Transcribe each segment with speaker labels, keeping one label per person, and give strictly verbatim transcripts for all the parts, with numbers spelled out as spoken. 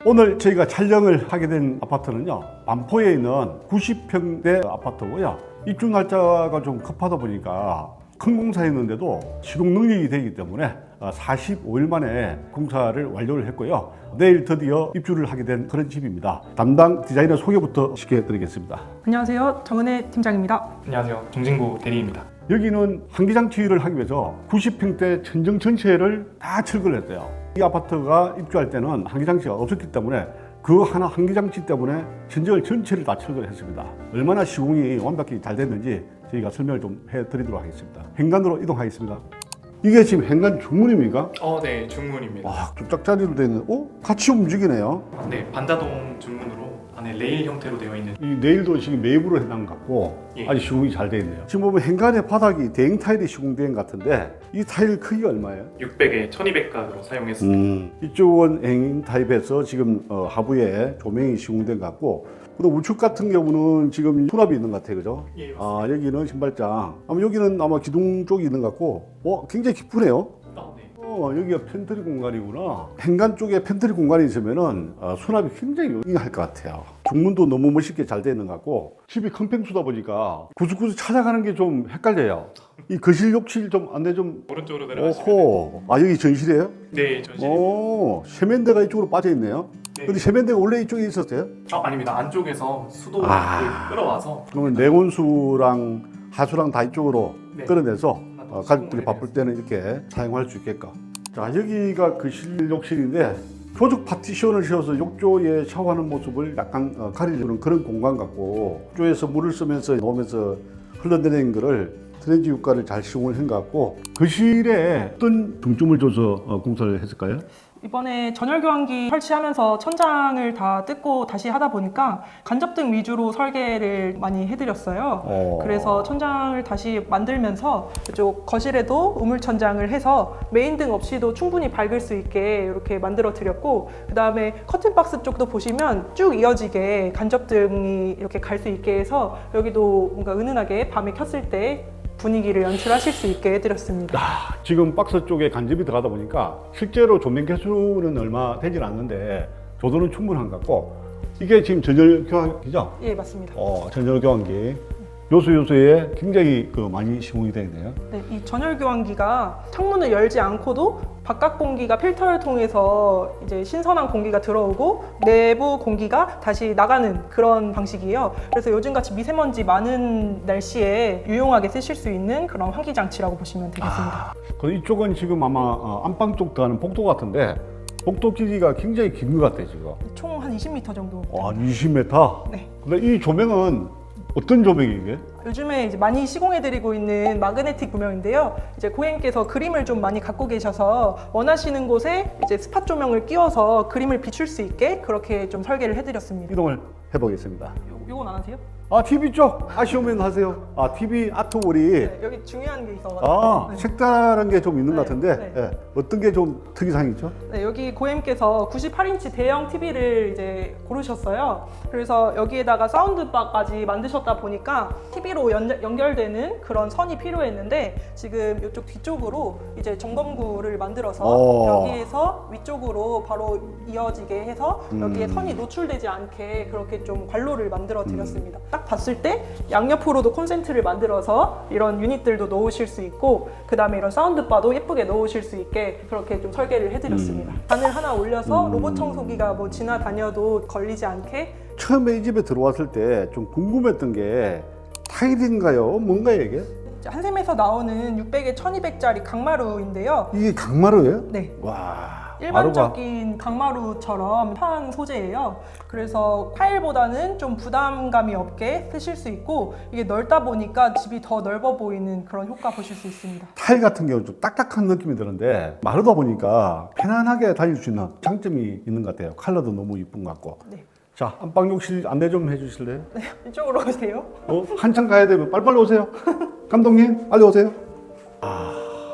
Speaker 1: 오늘 저희가 촬영을 하게 된 아파트는요, 반포에 있는 구십 평대 아파트고요. 입주 날짜가 좀 급하다 보니까 큰 공사였는데도 시공 능력이 되기 때문에 사십오 일 만에 공사를 완료를 했고요. 내일 드디어 입주를 하게 된 그런 집입니다. 담당 디자이너 소개부터 시켜드리겠습니다.
Speaker 2: 안녕하세요. 정은혜 팀장입니다.
Speaker 3: 안녕하세요. 정진구 대리입니다.
Speaker 1: 여기는 환기장치를 하기 위해서 구십 평대 천정 전체를 다 철거를 했대요. 이 아파트가 입주할 때는 환기장치가 없었기 때문에 그 하나 환기장치 때문에 천정을 전체를 다 철거를 했습니다. 얼마나 시공이 완벽히 잘 됐는지 저희가 설명을 좀 해드리도록 하겠습니다. 현관으로 이동하겠습니다. 이게 지금 현관 중문입니까?
Speaker 3: 어, 네, 중문입니다.
Speaker 1: 와, 뚝딱자리로 되어 있는, 어? 같이 움직이네요.
Speaker 3: 네, 반다동 중문으로 안에 레일 형태로 되어 있는.
Speaker 1: 이 네일도 지금 매입으로 해놓은 것 같고
Speaker 3: 예.
Speaker 1: 아주 시공이 잘 되어 있네요. 지금 보면 현관의 바닥이 대형 타일이 시공된 것 같은데 이 타일 크기가 얼마예요?
Speaker 3: 육백에 천이백 가로 사용했습니다.
Speaker 1: 음, 이쪽은 행인 타입에서 지금 어, 하부에 조명이 시공된 것 같고, 그리고 우측 같은 경우는 지금 수납이 있는 것 같아요, 그죠?
Speaker 3: 예, 맞습니다.
Speaker 1: 아, 여기는 신발장. 아마 여기는 아마 기둥 쪽이 있는 것 같고, 어, 굉장히 깊으네요.
Speaker 3: 아, 네.
Speaker 1: 어, 여기가 팬트리 공간이구나. 현관 쪽에 팬트리 공간이 있으면은 어, 수납이 굉장히 용이할 것 같아요. 중문도 너무 멋있게 잘 되어 있는 것 같고, 집이 큰 평수다 보니까 구석구석 찾아가는 게 좀 헷갈려요. 이 거실 욕실 좀 안내 좀.
Speaker 3: 오른쪽으로 내려가시면.
Speaker 1: 오호. 아, 여기 전실이에요?
Speaker 3: 네, 전실.
Speaker 1: 오, 세면대가 이쪽으로 빠져 있네요.
Speaker 3: 네.
Speaker 1: 근데 세면대가 원래 이쪽에 있었어요?
Speaker 3: 아, 아닙니다. 안쪽에서 수도를
Speaker 1: 아.
Speaker 3: 끌어와서.
Speaker 1: 그러면 내온수랑 하수랑 다 이쪽으로
Speaker 3: 네.
Speaker 1: 끌어내서 어, 가족들이
Speaker 3: 수동으로
Speaker 1: 바쁠 때는 이렇게 사용할 수 있게끔. 자, 여기가 거실 욕실인데 조적 파티션을 씌워서 욕조에 샤워하는 모습을 약간 어, 가리려는 그런 공간 같고, 욕조에서 물을 쓰면서 놓으면서 흘러내리는 거를 트렌지 효과를 잘 시공을 한 것 같고, 거실에 어떤 중점을 줘서 어, 공사를 했을까요?
Speaker 2: 이번에 전열 교환기 설치하면서 천장을 다 뜯고 다시 하다 보니까 간접등 위주로 설계를 많이 해드렸어요.
Speaker 1: 어.
Speaker 2: 그래서 천장을 다시 만들면서 이쪽 거실에도 우물 천장을 해서 메인등 없이도 충분히 밝을 수 있게 이렇게 만들어 드렸고, 그 다음에 커튼박스 쪽도 보시면 쭉 이어지게 간접등이 이렇게 갈 수 있게 해서 여기도 뭔가 은은하게 밤에 켰을 때 분위기를 연출하실 수 있게 해드렸습니다.
Speaker 1: 아, 지금 박스 쪽에 간접이 들어가다 보니까 실제로 조명 개수는 얼마 되진 않는데 조도는 충분한 것 같고, 이게 지금 전열 교환기죠?
Speaker 2: 예, 맞습니다.
Speaker 1: 어, 전열 교환기 요소 요소에 굉장히 그 많이 시공이 되어 있네요.
Speaker 2: 네, 이 전열 교환기가 창문을 열지 않고도 바깥 공기가 필터를 통해서 이제 신선한 공기가 들어오고 내부 공기가 다시 나가는 그런 방식이에요. 그래서 요즘같이 미세먼지 많은 날씨에 유용하게 쓰실 수 있는 그런 환기 장치라고 보시면 되겠습니다.
Speaker 1: 아, 그 이쪽은 지금 아마 어, 안방 쪽 가는 복도 같은데 복도 길이가 굉장히 긴 것 같아요, 지금.
Speaker 2: 총 한 이십 미터 정도.
Speaker 1: 와, 이십 미터?
Speaker 2: 네.
Speaker 1: 근데 이 조명은 어떤 조명이 이게?
Speaker 2: 요즘에 이제 많이 시공해드리고 있는 마그네틱 조명인데요. 이제 고객님께서 그림을 좀 많이 갖고 계셔서 원하시는 곳에 이제 스팟 조명을 끼워서 그림을 비출 수 있게 그렇게 좀 설계를 해드렸습니다.
Speaker 1: 이동을 해보겠습니다.
Speaker 2: 요, 요건 안 하세요?
Speaker 1: 아, 티비 쪽 아쉬우면 하세요. 아, 티비 아트월이
Speaker 2: 네, 여기 중요한 게 있어가지고.
Speaker 1: 아,
Speaker 2: 네.
Speaker 1: 색다른 게 좀 있는
Speaker 2: 네,
Speaker 1: 것 같은데
Speaker 2: 네.
Speaker 1: 예, 어떤 게 좀 특이사항이 있죠?
Speaker 2: 네, 여기 고객님께서 구십팔 인치 대형 티비를 이제 고르셨어요. 그래서 여기에다가 사운드바까지 만드셨다 보니까 티비로 연, 연결되는 그런 선이 필요했는데, 지금 이쪽 뒤쪽으로 이제 점검구를 만들어서
Speaker 1: 오.
Speaker 2: 여기에서 위쪽으로 바로 이어지게 해서 여기에
Speaker 1: 음.
Speaker 2: 선이 노출되지 않게 그렇게 좀 관로를 만들어 드렸습니다. 딱 봤을 때 양옆으로도 콘센트를 만들어서 이런 유닛들도 넣으실 수 있고, 그 다음에 이런 사운드바도 예쁘게 넣으실 수 있게 그렇게 좀 설계를 해드렸습니다. 단을 하나 올려서
Speaker 1: 음.
Speaker 2: 로봇 청소기가 뭐 지나다녀도 걸리지 않게.
Speaker 1: 처음에 이 집에 들어왔을 때 좀 궁금했던 게 타일인가요? 뭔가요 이게?
Speaker 2: 한샘에서 나오는 육백에 천이백짜리 강마루인데요.
Speaker 1: 이게 강마루예요?
Speaker 2: 네.
Speaker 1: 와, 마루가
Speaker 2: 일반적인 강마루처럼 편한 소재예요. 그래서 타일보다는 좀 부담감이 없게 쓰실 수 있고, 이게 넓다 보니까 집이 더 넓어 보이는 그런 효과 보실 수 있습니다.
Speaker 1: 타일 같은 경우는 좀 딱딱한 느낌이 드는데 마르다 보니까 편안하게 다닐 수 있는 장점이 있는 것 같아요. 컬러도 너무 이쁜 것 같고.
Speaker 2: 네.
Speaker 1: 자, 안방 욕실 안내 좀 해주실래요?
Speaker 2: 네, 이쪽으로 오세요.
Speaker 1: 어, 한참 가야 되면 빨리빨리 오세요. 감독님, 빨리 오세요. 아,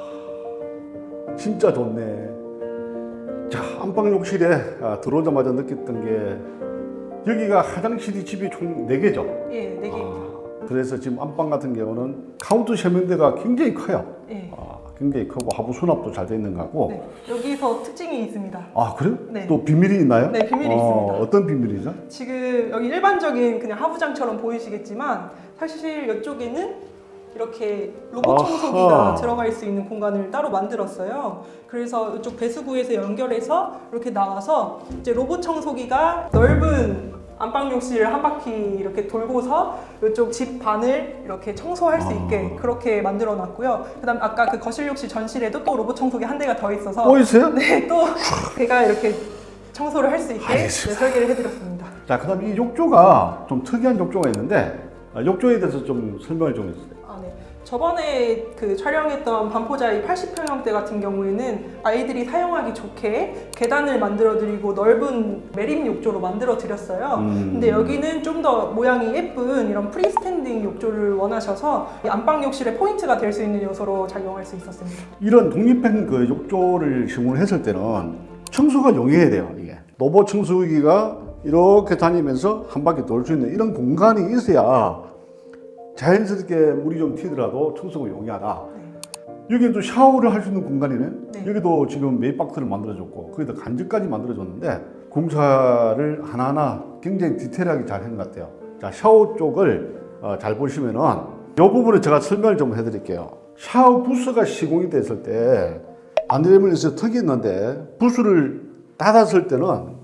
Speaker 1: 진짜 좋네. 자, 안방 욕실에 아, 들어오자마자 느꼈던 게 여기가 화장실이 집이 총 네 개죠.
Speaker 2: 예, 네 개입니다.
Speaker 1: 아, 그래서 지금 안방 같은 경우는 카운트 세면대가 굉장히 커요.
Speaker 2: 예.
Speaker 1: 아, 굉장히 크고 하부 수납도 잘 돼 있는 것 같고.
Speaker 2: 네. 여기서 특징이 있습니다.
Speaker 1: 아 그래요?
Speaker 2: 네.
Speaker 1: 또 비밀이 있나요?
Speaker 2: 네, 비밀이
Speaker 1: 어,
Speaker 2: 있습니다.
Speaker 1: 어떤 비밀이죠?
Speaker 2: 지금 여기 일반적인 그냥 하부장처럼 보이시겠지만 사실 이쪽에는 이렇게 로봇
Speaker 1: 아하.
Speaker 2: 청소기가 들어갈 수 있는 공간을 따로 만들었어요. 그래서 이쪽 배수구에서 연결해서 이렇게 나와서 이제 로봇 청소기가 넓은 안방 욕실을 한 바퀴 이렇게 돌고서 이쪽 집 반을 이렇게 청소할 수 있게
Speaker 1: 아.
Speaker 2: 그렇게 만들어 놨고요. 그다음 아까 그 거실 욕실 전실에도 또 로봇 청소기 한 대가 더 있어서
Speaker 1: 또 있어요?
Speaker 2: 네, 또 제가 이렇게 청소를 할 수 있게 네,
Speaker 1: 알겠습니다.
Speaker 2: 설계를 해드렸습니다.
Speaker 1: 자, 그다음 이 욕조가 좀 특이한 욕조가 있는데 아, 욕조에 대해서 좀 설명을 좀 해주세요.
Speaker 2: 아, 네. 저번에 그 촬영했던 반포자이 팔십 평형대 같은 경우에는 아이들이 사용하기 좋게 계단을 만들어드리고 넓은 매립 욕조로 만들어드렸어요.
Speaker 1: 음.
Speaker 2: 근데 여기는 좀 더 모양이 예쁜 이런 프리스탠딩 욕조를 원하셔서 이 안방 욕실의 포인트가 될 수 있는 요소로 작용할 수 있었습니다.
Speaker 1: 이런 독립형 그 욕조를 시공을 했을 때는 청소가 용이해야 돼요. 이게 로봇 청소기가 이렇게 다니면서 한 바퀴 돌 수 있는 이런 공간이 있어야 자연스럽게 물이 좀 튀더라도 청소가 용이하다.
Speaker 2: 네.
Speaker 1: 여기도 샤워를 할 수 있는 공간이네.
Speaker 2: 네.
Speaker 1: 여기도 지금 메이박스를 만들어줬고 거기다 간접까지 만들어줬는데 공사를 하나하나 굉장히 디테일하게 잘 한 것 같아요. 자, 샤워 쪽을 어, 잘 보시면은 이 부분을 제가 설명을 좀 해드릴게요. 샤워 부스가 시공이 됐을 때 안드레밀에서 턱이 있는데 부스를 닫았을 때는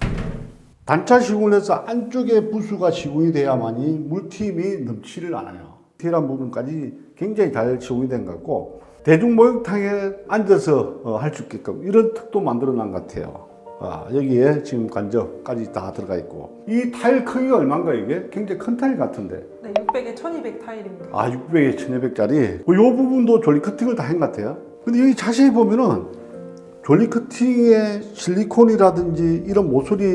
Speaker 1: 단차 시공을 해서 안쪽에 부수가 시공이 돼야만이 물팀이 넘치를 않아요. 디테일한 부분까지 굉장히 잘 시공이 된 것 같고 대중 목욕탕에 앉아서 어, 할 수 있게끔 이런 턱도 만들어 놓은 것 같아요. 아, 여기에 지금 간접까지 다 들어가 있고 이 타일 크기가 얼마인가 이게? 굉장히 큰 타일 같은데
Speaker 2: 네, 육백에 천이백 타일입니다.
Speaker 1: 아 육백에 천이백짜리 이 부분도 졸리 커팅을 다 한 것 같아요. 근데 여기 자세히 보면은 졸리 커팅의 실리콘이라든지 이런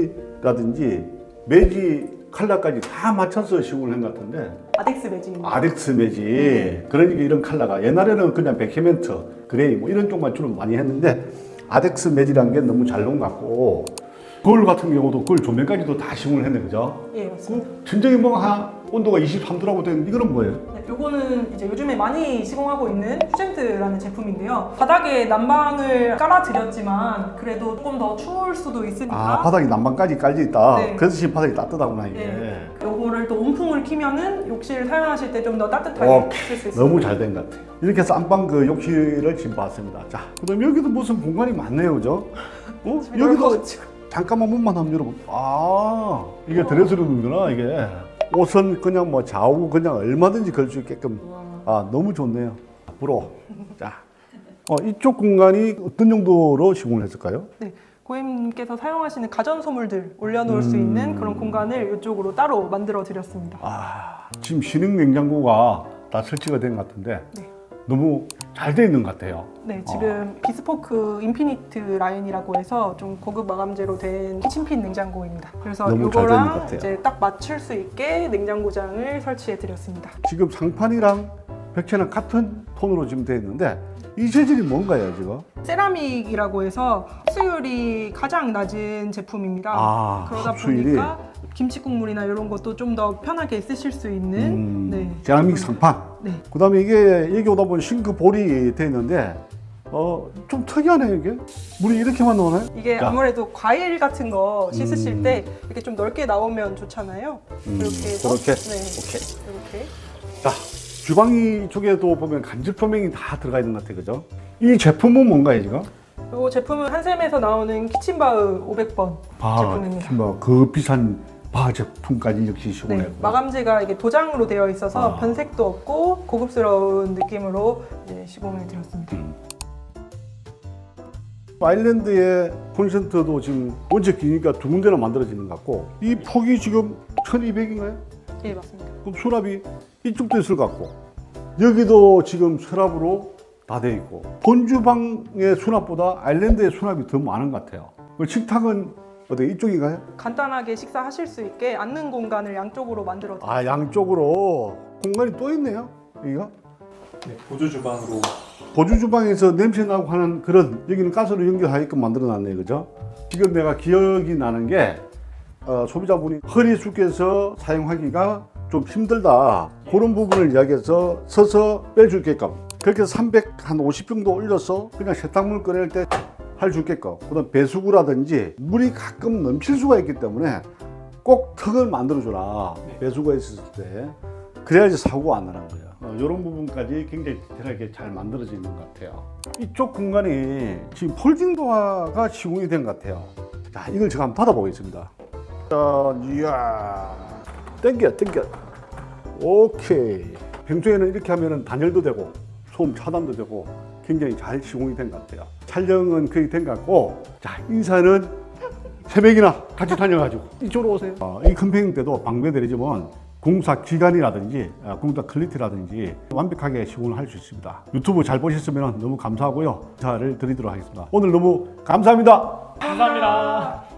Speaker 1: 모서리라든지 매지 컬러까지 다 맞춰서 시공을 한 것 같은데
Speaker 2: 아덱스 매직입니다.
Speaker 1: 아덱스 매지
Speaker 2: 네.
Speaker 1: 그러니까 이런 컬러가 옛날에는 그냥 백헤멘트 그레이 뭐 이런 쪽만 주로 많이 했는데 아덱스 매지라는 게 너무 잘 나온 것 같고 거울 같은 경우도 거울 조명까지도 다 시공을 했네 그죠?
Speaker 2: 예, 맞습니다.
Speaker 1: 전쟁이 뭐 한 온도가 이십삼 도라고 되는데 이거는 뭐예요?
Speaker 2: 네, 요거는 이제 요즘에 많이 시공하고 있는 퓨젠트라는 제품인데요. 바닥에 난방을 깔아드렸지만 그래도 조금 더 추울 수도 있으니까
Speaker 1: 아 바닥이 난방까지 깔려 있다.
Speaker 2: 네.
Speaker 1: 그래서 지금 바닥이 따뜻하구나 이게.
Speaker 2: 네. 요거를 또 온풍을 키면은 욕실 사용하실 때 좀 더 따뜻하게
Speaker 1: 어,
Speaker 2: 쓸 수 있습니다.
Speaker 1: 너무 잘 된 것 같아요. 이렇게 해서 안방 그 욕실을 지금 봤습니다. 자, 그다음 여기도 무슨 공간이 많네요, 그죠? 어?
Speaker 2: 집이
Speaker 1: 여기도
Speaker 2: 넓어가지고.
Speaker 1: 잠깐만 문만 한번 열어보. 아, 이게 드레스룸이구나 이게. 옷은 그냥 뭐 좌우 그냥 얼마든지 걸 수 있게끔. 아, 너무 좋네요. 앞으로 자, 어, 이쪽 공간이 어떤 정도로 시공을 했을까요?
Speaker 2: 네, 고객님께서 사용하시는 가전 소물들 올려놓을 수
Speaker 1: 음.
Speaker 2: 있는 그런 공간을 이쪽으로 따로 만들어 드렸습니다.
Speaker 1: 아, 지금 신흥 냉장고가 다 설치가 된 것 같은데
Speaker 2: 네.
Speaker 1: 너무 잘 돼 있는 것 같아요.
Speaker 2: 네, 지금 비스포크 인피니트 라인이라고 해서 좀 고급 마감재로 된 키친핀 냉장고입니다. 그래서
Speaker 1: 너무 잘 되는 것
Speaker 2: 이거랑
Speaker 1: 같아요.
Speaker 2: 이제 딱 맞출 수 있게 냉장고장을 설치해 드렸습니다.
Speaker 1: 지금 상판이랑 벽체는 같은 톤으로 지금 되어 있는데 이 재질이 뭔가요 지금?
Speaker 2: 세라믹이라고 해서 흡수율이 가장 낮은 제품입니다.
Speaker 1: 아,
Speaker 2: 그러다
Speaker 1: 흡수율이?
Speaker 2: 보니까 김치 국물이나 이런 것도 좀 더 편하게 쓰실 수 있는
Speaker 1: 음,
Speaker 2: 네.
Speaker 1: 세라믹 상판.
Speaker 2: 네.
Speaker 1: 그다음에 이게 여기 오다 보면 싱크 볼이 되어 있는데 어 좀 특이하네요 이게. 물이 이렇게만 나오나요?
Speaker 2: 이게
Speaker 1: 자.
Speaker 2: 아무래도 과일 같은 거 씻으실
Speaker 1: 음.
Speaker 2: 때 이렇게 좀 넓게 나오면 좋잖아요.
Speaker 1: 음,
Speaker 2: 이렇게 해서
Speaker 1: 그렇게?
Speaker 2: 네.
Speaker 1: 오케이.
Speaker 2: 이렇게
Speaker 1: 자, 주방 쪽에도 보면 간접 조명이 다 들어가 있는 것 같아요, 그죠? 이 제품은 뭔가요 지금?
Speaker 2: 이 제품은 한샘에서 나오는 키친바흐 오백 번 제품입니다.
Speaker 1: 뭐 그 비싼 바 제품까지 역시
Speaker 2: 네,
Speaker 1: 시공했고.
Speaker 2: 마감재가 이게 도장으로 되어 있어서
Speaker 1: 아.
Speaker 2: 변색도 없고 고급스러운 느낌으로 이제 시공을 드렸습니다.
Speaker 1: 음. 아일랜드의 콘센트도 지금 원체 기니까 두 군데나 만들어지는 것 같고 이 폭이 지금 천이백인가요?
Speaker 2: 예, 맞습니다.
Speaker 1: 그럼 수납이 이쪽도 있을 것 같고 여기도 지금 서랍으로 다 돼 있고 본주방의 수납보다 아일랜드의 수납이 더 많은 것 같아요. 식탁은 어디 이쪽인가요?
Speaker 2: 간단하게 식사하실 수 있게 앉는 공간을 양쪽으로 만들어 드렸습니다.
Speaker 1: 아 양쪽으로 공간이 또 있네요. 여기가
Speaker 3: 네, 보조 주방으로
Speaker 1: 보조 주방에서 냄새 나고 하는 그런 여기는 가스로 연결하게끔 만들어놨네요, 그죠? 지금 내가 기억이 나는 게 어, 소비자분이 허리 숙여서 사용하기가 좀 힘들다 그런 부분을 이야기해서 서서 뺄 수 있게끔 그렇게 해서 삼백오십 정도 올려서 그냥 세탁물 꺼낼 때 할 수 있게끔, 그다음 배수구라든지 물이 가끔 넘칠 수가 있기 때문에 꼭 턱을 만들어줘라. 배수구가 있었을 때. 그래야지 사고가 안 나는 거예요. 어, 이런 부분까지 굉장히 디테일하게 잘 만들어지는 것 같아요. 이쪽 공간이 지금 폴딩 도어가 시공이 된 것 같아요. 자, 이걸 제가 한번 받아보겠습니다. 자, 이야, 당겨, 당겨. 오케이. 평소에는 이렇게 하면 단열도 되고 소음 차단도 되고 굉장히 잘 시공이 된 것 같아요. 촬영은 거의 된 것 같고, 자, 인사는 새벽이나 같이 다녀가지고 이쪽으로 오세요. 어, 이 캠페인 때도 방배대리점은 공사 기간이라든지 어, 공사 퀄리티라든지 완벽하게 시공을 할 수 있습니다. 유튜브 잘 보셨으면 너무 감사하고요. 인사를 드리도록 하겠습니다. 오늘 너무 감사합니다.
Speaker 3: 감사합니다.